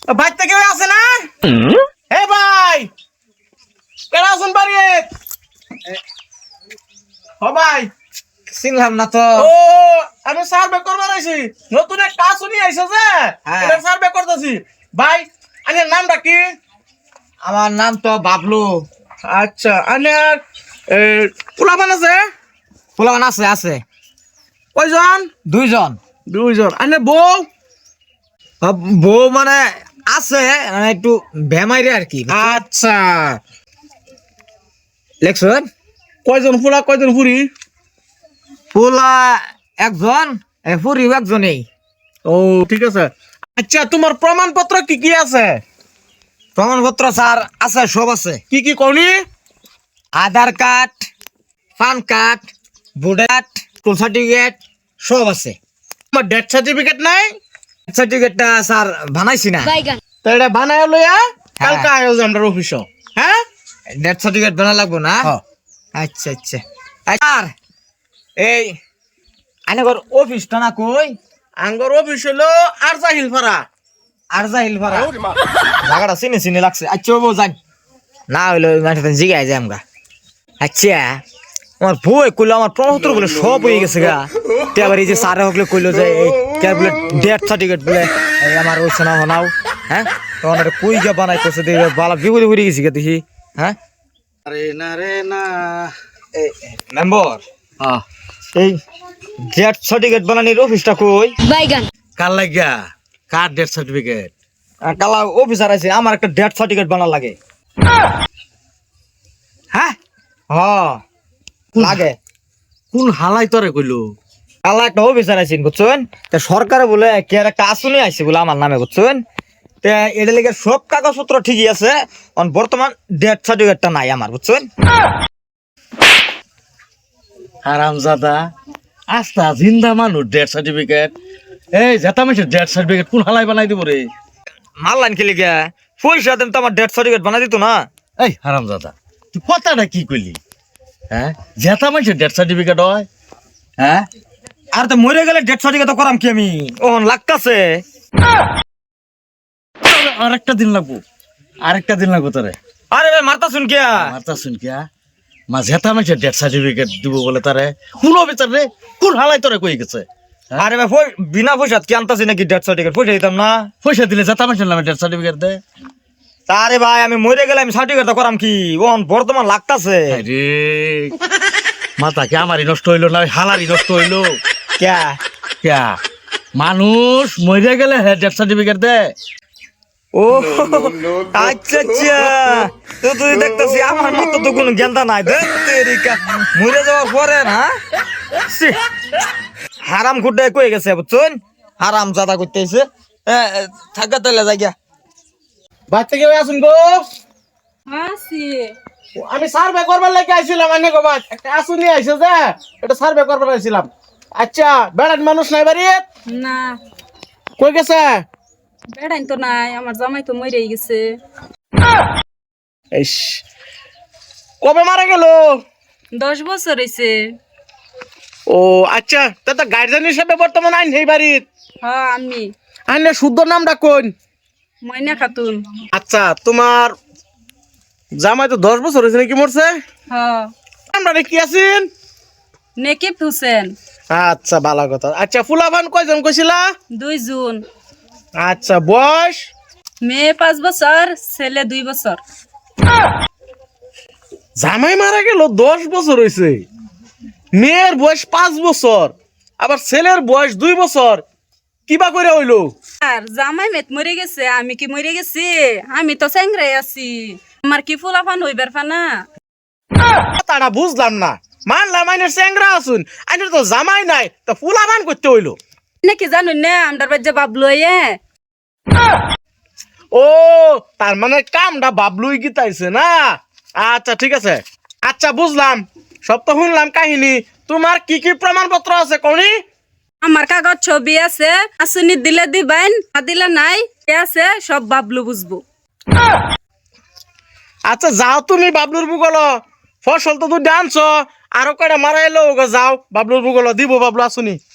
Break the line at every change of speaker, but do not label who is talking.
বাইতে কেউ আছে না? হে ভাই, কেডা আছেন বাড়ি? ও ভাই,
চিনলাম না তো।
ও আমি সার্ভে করবার আইছি, নতুন এক কাজ শুনি আইছে যে এটা সার্ভে করতেছি। ভাই আনের নামটা কি?
আমার নাম তো বাবলু।
আচ্ছা, আনের পোলাপান আছে?
পোলাপান আছে আছে
কয়জন?
দুইজন।
দুইজন। আনের বউ?
বউ মানে আছে, মানে একটু বেমাইরে আর কি।
আচ্ছা,
লেখছুন
কয়জন পোলা কয়জন ফুরি?
পোলা একজন, ফুরিও একজনেই।
ও ঠিক আছে। আচ্ছা, তোমার প্রমাণপত্র কি কি আছে?
প্রমাণপত্র স্যার আছে, সব আছে।
কি কি করি?
Aadhaar card, PAN card, voter card, school certificate সব আছে।
তোমার ডেথ সার্টিফিকেট নাই?
সার্টিফিকেটটা স্যার বানাইছি না।
তো এটা বানায় লইয়া কালকে আয়োজ আমরা অফিস। হ্যাঁ,
ডেথ সার্টিফিকেট বানা লাগবো না?
হ্যাঁ।
আচ্ছা আচ্ছা। আর এই আইনগর অফিসটা না কই?
আঙ্গর অফিস হলো আর জাহিল ফারা।
আর যাইল ভাড়া জায়গাটা চিনি চিনি লাগছে। আচ্ছা বাবু যাই, না হইলো মাঠে জিগাই যাই আমরা। আচ্ছা আমার বই কইলো আমার প্রমাণপত্র বলে সব হয়ে গেছে গা। এবার এই যে স্যার হকলে কইলো যে এই কে বলে ডেথ সার্টিফিকেট বলে এই আমার ওই সোনা হনাও। হ্যাঁ, তখন এটা কই গিয়া বানাই করছে দেখে বালা বিপদে পড়ে গেছি গা দেখি। হ্যাঁ
আরে না রে না।
এই মেম্বার, এই ডেথ সার্টিফিকেট বানানির অফিসটা কই?
কার লাগিয়া? কার ডেথ সার্টিফিকেট?
কালা অফিসার আছে, আমার একটা ডেথ সার্টিফিকেট বানা লাগে।
হ্যাঁ,
হ লাগে।
কোন হালাই তোরে কইলো?
কালা একটা অফিসার আছেন বুঝছেন, তা সরকারে বলে কে একটা আসুনি আইছে বলে আমার নামে বুঝছেন। তা এটা লেগে সব কাগজপত্র ঠিকই আছে, বর্তমান ডেথ সার্টিফিকেটটা নাই আমার বুঝছেন।
হারামজাদা, আস্তা জিন্দা মানুষ ডেথ সার্টিফিকেট? এই জেতা মানুষের ডেথ সার্টিফিকেট কোন হালাই বানাই দিব রে?
মারলাইন খেলে গিয়া পয়সা দেন তো আমার ডেথ সার্টিফিকেট বানা দিত না।
এই হারামজাদা, তুই কথাটা কি কইলি? হ্যাঁ, জেতা মানুষের ডেথ সার্টিফিকেট হয়? হ্যাঁ,
আর তো মরে গেলে ডেথ সার্টিফিকেট করাম কি আমি? ওহন লাগতাছে।
আরেকটা দিন লাগবো, আরেকটা দিন লাগবো তোরে।
আরে ভাই মারতাছুন কিয়া?
মারতা শুন কিয়া মা জেতা মানুষের ডেথ সার্টিফিকেট দিব বলে তারে কোন বিচার রে? কোন হালাই তোরে কই গেছে?
আরে ভাই বিনা পয়সা কি আনতাছি নাকি ডেথ সার্টিফিকেট? পয়সা দিতাম না।
পয়সা দিলে জেতা মানুষের নামে ডেথ সার্টিফিকেট দে।
আরে ভাই আমি মরে গেলে আমি সার্টিফিকেট করাম কি? ওহন বর্তমান লাগতাছে।
আরে মাথা কি আমারই নষ্ট হইলো না হালারই নষ্ট হইলো?
ক্যা
ক্যা মানুষ মরে গেলে হ্যাঁ ডেথ সার্টিফিকেট দে?
ও আচ্ছা আচ্ছা, তো তুই দেখতেছি আমার মতো তো কোনো জ্ঞানটা নাই। তেরিকা মরে যাওয়ার পরে না ছি, হারাম খুঁটে কয়ে গেছে বুঝছেন, হারাম জাদা করতেছে। থাকা তাইলে যাই গিয়া।
বাচ্চা কেউ আসুন গো।
আসি
আমি সার্ভে করবার লাগে আইছিলাম। আনে গো বাদ একটা আসুনি আইছে যে এটা সার্ভে করবার আইছিলাম। আচ্ছা, বেড়ান মানুষ নাই বাড়ি?
না,
কই গেছে?
বেড়াইন তো নাই, আমার জামাই তো মরেই গেছে।
ইস, কবে মারা গেল?
10 বছর হয়েছে।
ও আচ্ছা, তা তো গার্জেন হিসেবে বর্তমান আইন এই বাড়ির।
হ্যাঁ, আমি
আইনের শুদ্ধ নামটা কোন?
ময়না খাতুন।
আচ্ছা, তোমার জামাই তো 10 বছর হয়েছে নাকি মরছে?
হ্যাঁ,
আমরা কি আছেন?
নেকিব হোসেন।
আচ্ছা, ভালো কথা। আচ্ছা, ফুলাভান কয়জন কইছিলা?
2 জুন।
আচ্ছা, বয়স?
মেয়ে 5 বছর, ছেলে 2 বছর।
জামাই মারা গেল 10 বছর হয়েছে, মেয়ের বয়স 5 বছর, আবার ছেলের বয়স 2 বছর। কিবা করে হইলো?
আর জামাই মেত মরে গেছে, আমি কি মরে গেছি? আমি তো চেংরাই আছি, আমার কি ফুলাফান হইবার ফানা?
তারা বুঝলাম না। মানলাম আইনের চেংরা আসুন, আইনের তো জামাই নাই, তা ফুলাভান করতে হইলো
নাকি জানুন না আমদার বাজ্যা বাবলু এ।
ও, তার মানে কামটা বাবলুই গীতাইছে না? আচ্ছা ঠিক আছে, আচ্ছা বুঝলাম, সব তো শুনলাম কাহিনী। তোমার কি কি প্রমাণপত্র আছে কোনি?
আমার কাগজ ছবি আছে, আসুনি দিলে দিবেন, না দিলে নাই। এ আছে, সব বাবলু বুঝবো।
আচ্ছা যাও তুমি বাবলুর বুগল, ফসল তো তুই আনছ, আরো কয়টা মারা এলো যাও বাবলুর বুগল দিব, বাবলু আসুনি।